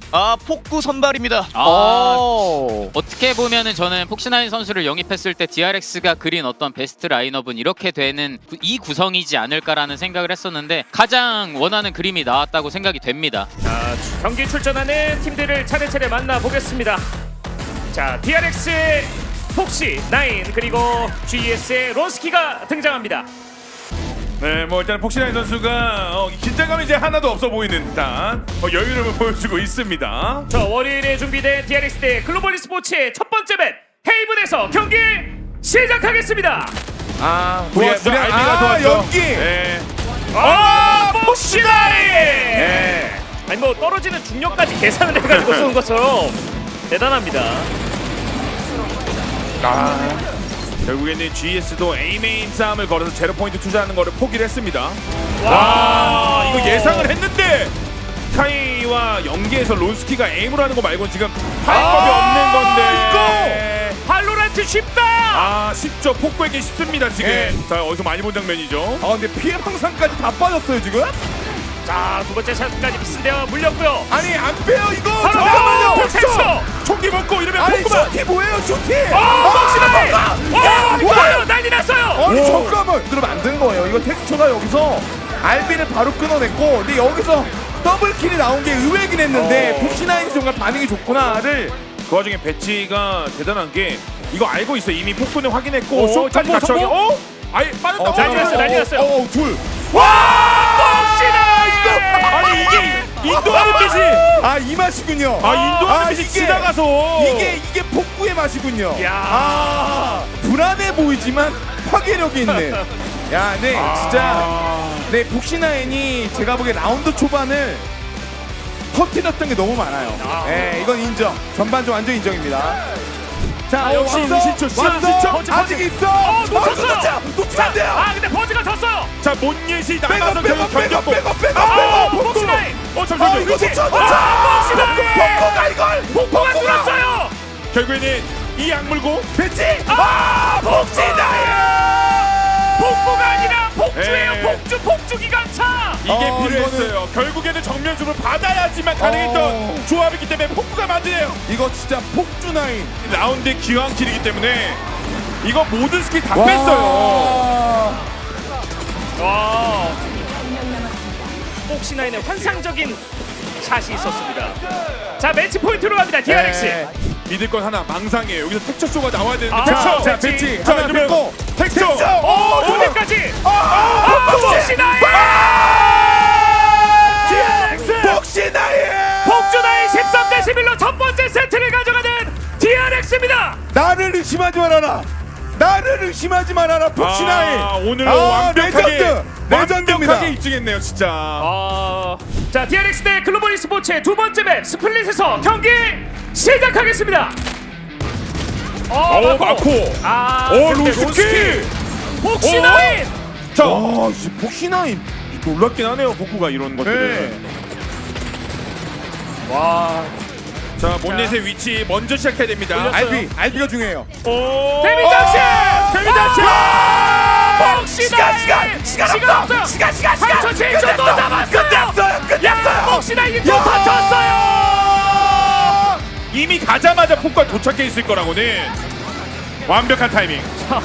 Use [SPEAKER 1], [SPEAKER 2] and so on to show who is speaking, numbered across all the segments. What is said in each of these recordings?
[SPEAKER 1] 폭구 선발입니다.
[SPEAKER 2] 어떻게 보면은 저는 폭신하인 선수를 영입했을 때 DRX가 그린 어떤 베스트 라인업은 이렇게 되는 이 구성이지 않을까라는 생각을 했었는데 가장 원하는 그림이 나왔다고 생각이 됩니다.
[SPEAKER 3] 자, 경기 출전하는 팀들을 차례차례 만나보겠습니다. 자, DRX의 폭시, 나인 그리고 GS의 론스키가 등장합니다.
[SPEAKER 4] 네, 뭐 일단 폭신한 선수가 긴장감이 이제 하나도 없어 보이는 듯한 여유를 보여주고 있습니다.
[SPEAKER 3] 자, 월요일에 준비된 DRX 대 글로벌 e스포츠의 첫 번째 맵 헤이븐에서 경기 시작하겠습니다.
[SPEAKER 4] 우리 알비가 도왔죠.
[SPEAKER 5] 연기.
[SPEAKER 4] 네.
[SPEAKER 3] 폭시 나인! 아니 뭐 떨어지는 중력까지 계산을 해가지고 쏘는 것처럼 대단합니다.
[SPEAKER 4] 결국에는 GS도 A메인 싸움을 걸어서 제로 포인트 투자하는 거를 포기를 했습니다.
[SPEAKER 3] 와,
[SPEAKER 4] 이거 예상을 했는데 카이와 연계에서 론스키가 에임으로 하는 거 말고는 지금 파이법이 없는 건데
[SPEAKER 3] 발로란트 쉽다.
[SPEAKER 4] 쉽죠. 폭구에게 쉽습니다 지금.
[SPEAKER 5] 네.
[SPEAKER 4] 자, 어디서 많이 본 장면이죠.
[SPEAKER 5] 근데 피해 방상까지 다 빠졌어요 지금?
[SPEAKER 3] 자, 두 번째 샷까지 비스되어 물렸고요.
[SPEAKER 5] 아니 안 빼요 이거.
[SPEAKER 3] 바로
[SPEAKER 5] 잠깐만요.
[SPEAKER 3] 폭했어.
[SPEAKER 4] 총기 먹고 이러면
[SPEAKER 5] 아니
[SPEAKER 4] 폭구만.
[SPEAKER 5] 쇼티 뭐예요 쇼티?
[SPEAKER 3] 폭시나인! 뭐예요? 난리 났어요.
[SPEAKER 5] 아니 잠깐만. 그러면 안 되는 거예요. 이거 텍스처가 여기서 알비를 바로 끊어냈고, 근데 여기서 더블킬이 나온 게 의외긴 했는데 폭시나인이 정말 반응이 좋구나를.
[SPEAKER 4] 그 와중에 배치가 대단한 게 이거 알고 있어. 이미 폭군을 확인했고 쇼까지
[SPEAKER 3] 정보,
[SPEAKER 4] 같이 확인.
[SPEAKER 3] 정보?
[SPEAKER 4] 아예 빠졌다.
[SPEAKER 3] 난리 났어요, 난리 났어요.
[SPEAKER 5] 둘.
[SPEAKER 3] 폭시나인!
[SPEAKER 4] 아니 이게 인도하는 빛이
[SPEAKER 5] 이 맛이군요.
[SPEAKER 4] 인도하는 빛이
[SPEAKER 5] 이게-
[SPEAKER 4] 지나가서
[SPEAKER 5] 이게 폭구의 맛이군요.
[SPEAKER 3] 야.
[SPEAKER 5] 불안해 보이지만 파괴력이 있는. 야, 네, 진짜. 네, 폭시나인이 제가 보기에 라운드 초반을 터뜨렸던 게 너무 많아요. 네, 이건 인정. 전반전 완전 인정입니다. 자,
[SPEAKER 4] 역시 시초, 시초.
[SPEAKER 5] 아직 있어.
[SPEAKER 3] 놓쳤어요.
[SPEAKER 5] 놓치면 안 돼요.
[SPEAKER 3] 근데 버즈가 졌어요.
[SPEAKER 4] 자 몬예시 나가서
[SPEAKER 5] 빼고,
[SPEAKER 4] 결국 견뎠고
[SPEAKER 3] 폭시나인!
[SPEAKER 4] 잠시만요.
[SPEAKER 5] 이거 놓쳐.
[SPEAKER 3] 폭시나인!
[SPEAKER 5] 폭구가 이걸.
[SPEAKER 3] 폭포가 뚫었어요.
[SPEAKER 4] 결국에는 이 악물고
[SPEAKER 5] 배치.
[SPEAKER 3] 폭시나인! 폭포가 아니라 폭주예요.
[SPEAKER 4] 예.
[SPEAKER 3] 폭주 기관차.
[SPEAKER 4] 이게 필요했어요. 결국에는 정면으로 받아야지만 가능했던
[SPEAKER 5] 어.
[SPEAKER 4] 조합이기 때문에 폭구가 만드네요.
[SPEAKER 5] 이거 진짜 폭주나인.
[SPEAKER 4] 라운드의 기왕킬이기 때문에 이거 모든 스킬 다 뺐어요.
[SPEAKER 3] 와. 폭시나인의 환상적인 샷이 있었습니다. 자, 매치 포인트로 갑니다. DRX.
[SPEAKER 5] 네.
[SPEAKER 4] 믿을 건 하나 망상이에요. 여기서 텍처 쇼가 나와야 되는데
[SPEAKER 3] 자,
[SPEAKER 4] 텍처.
[SPEAKER 5] 배치.
[SPEAKER 4] 자,
[SPEAKER 5] 하나
[SPEAKER 4] 이러면
[SPEAKER 5] 긁고.
[SPEAKER 4] 텍처.
[SPEAKER 3] 무대까지. 폭시나인!
[SPEAKER 5] 폭시나인.
[SPEAKER 3] 폭주나인 13대 11로 첫 번째 세트를 가져가는 DRX입니다.
[SPEAKER 5] 나를 의심하지 말아라. 나를 의심하지 말아라. 폭시나인.
[SPEAKER 4] 오늘로 완벽하게
[SPEAKER 5] 레전드입니다.
[SPEAKER 4] 완벽하게 입증했네요, 진짜.
[SPEAKER 3] 자, DRX 대 글로벌 e스포츠의 두 번째 맵 스플릿에서 경기 시작하겠습니다.
[SPEAKER 4] 마코. 론스키.
[SPEAKER 3] 폭시나인!
[SPEAKER 4] 자,
[SPEAKER 5] 폭시나인.
[SPEAKER 4] 놀랍긴 하네요, 복구가 이런 것들은.
[SPEAKER 3] 와.
[SPEAKER 4] 자, 몬넷의 위치 먼저 시작해야 됩니다.
[SPEAKER 3] 올렸어요.
[SPEAKER 5] 알비가 중요해요.
[SPEAKER 3] 데미 장식! 데미 장식! 폭시나인! 시간 없어요! 시간! 3초 7초 또 잡았어요! 끝났어요! 폭시나인이 또 다쳤어요!
[SPEAKER 4] 이미 가자마자 폭과 도착해 있을 거라고는 완벽한 타이밍.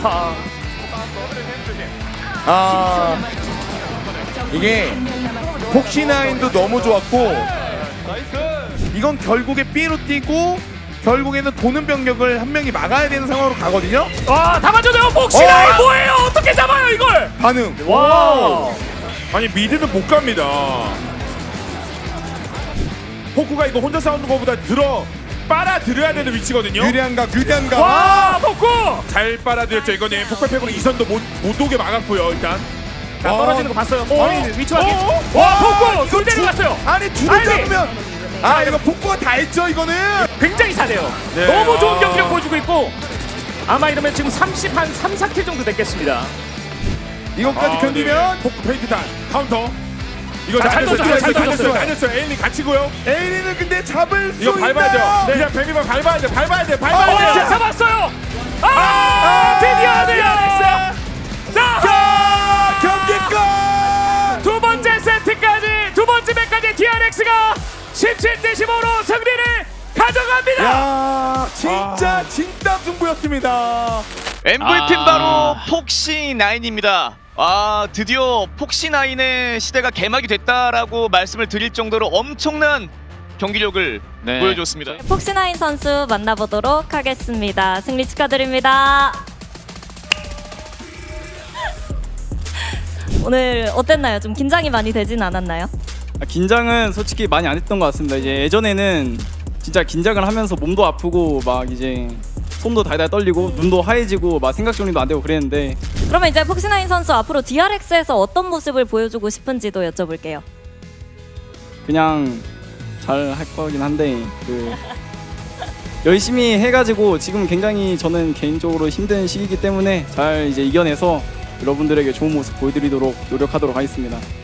[SPEAKER 5] 이게 폭시나인도 너무 좋았고, 이건 결국에 B로 뛰고 결국에는 도는 병력을 한 명이 막아야 되는 상황으로 가거든요.
[SPEAKER 3] 와, 다 맞아요! 폭시나인 뭐예요? 어떻게 잡아요 이걸?
[SPEAKER 5] 반응.
[SPEAKER 3] 와.
[SPEAKER 4] 아니 미드는 못 갑니다. 포쿠가 이거 혼자 싸우는 것보다 빨아들여야 되는 위치거든요.
[SPEAKER 5] 유리한 각.
[SPEAKER 3] 와, 폭구!
[SPEAKER 4] 잘 빨아들였죠. 이거는 폭발팩으로 이선도 못 오게 막았고요. 일단
[SPEAKER 3] 자, 떨어지는 거 봤어요. 아니, 위치 확인.
[SPEAKER 4] 어?
[SPEAKER 3] 와, 폭구!
[SPEAKER 5] 이거
[SPEAKER 3] 둘 내려갔어요.
[SPEAKER 5] 아니 둘을
[SPEAKER 3] 알비!
[SPEAKER 5] 잡으면 이거 폭구가 다 했죠 이거는.
[SPEAKER 3] 굉장히 잘해요.
[SPEAKER 4] 네.
[SPEAKER 3] 너무 좋은 경기력 보여주고 있고 아마 이러면 지금 30한 3, 4킬 정도 됐겠습니다.
[SPEAKER 5] 이것까지 견디면
[SPEAKER 4] 포쿠 페인트 단 카운터. 이거
[SPEAKER 3] 자, 잘 던졌어요, 잘 던졌어요.
[SPEAKER 4] 다녔어요. 에일리 갇히고요.
[SPEAKER 5] 에이리는 근데 잡을 수
[SPEAKER 4] 이거 밟아야 돼요.
[SPEAKER 5] 있나요?
[SPEAKER 4] 그냥 뱀이만 밟아야 돼. 밟아야 돼.
[SPEAKER 3] 잡았어요. 드디어 DRX. 자,
[SPEAKER 5] 경기 끝.
[SPEAKER 3] 두 번째 세트까지 두 번째 맵까지 DRX가 17대 15로 승리를 가져갑니다.
[SPEAKER 5] 야, 진짜 진땀 승부였습니다.
[SPEAKER 1] MVP는 바로 폭시9입니다. 드디어 폭시9의 시대가 개막이 됐다라고 말씀을 드릴 정도로 엄청난 경기력을
[SPEAKER 2] 네.
[SPEAKER 1] 보여줬습니다.
[SPEAKER 6] 폭시9 선수 만나보도록 하겠습니다. 승리 축하드립니다. 오늘 어땠나요? 좀 긴장이 많이 되진 않았나요?
[SPEAKER 7] 긴장은 솔직히 많이 안 했던 것 같습니다. 이제 예전에는 진짜 긴장을 하면서 몸도 아프고 막 이제 손도 달달 떨리고 눈도 하얘지고 막 생각 정리도 안 되고 그랬는데
[SPEAKER 6] 그러면 이제 폭시9 선수 앞으로 DRX에서 어떤 모습을 보여주고 싶은지도 여쭤볼게요.
[SPEAKER 7] 그냥 잘 할 거긴 한데 열심히 해가지고 지금 굉장히 저는 개인적으로 힘든 시기이기 때문에 잘 이제 이겨내서 여러분들에게 좋은 모습 보여드리도록 노력하도록 하겠습니다.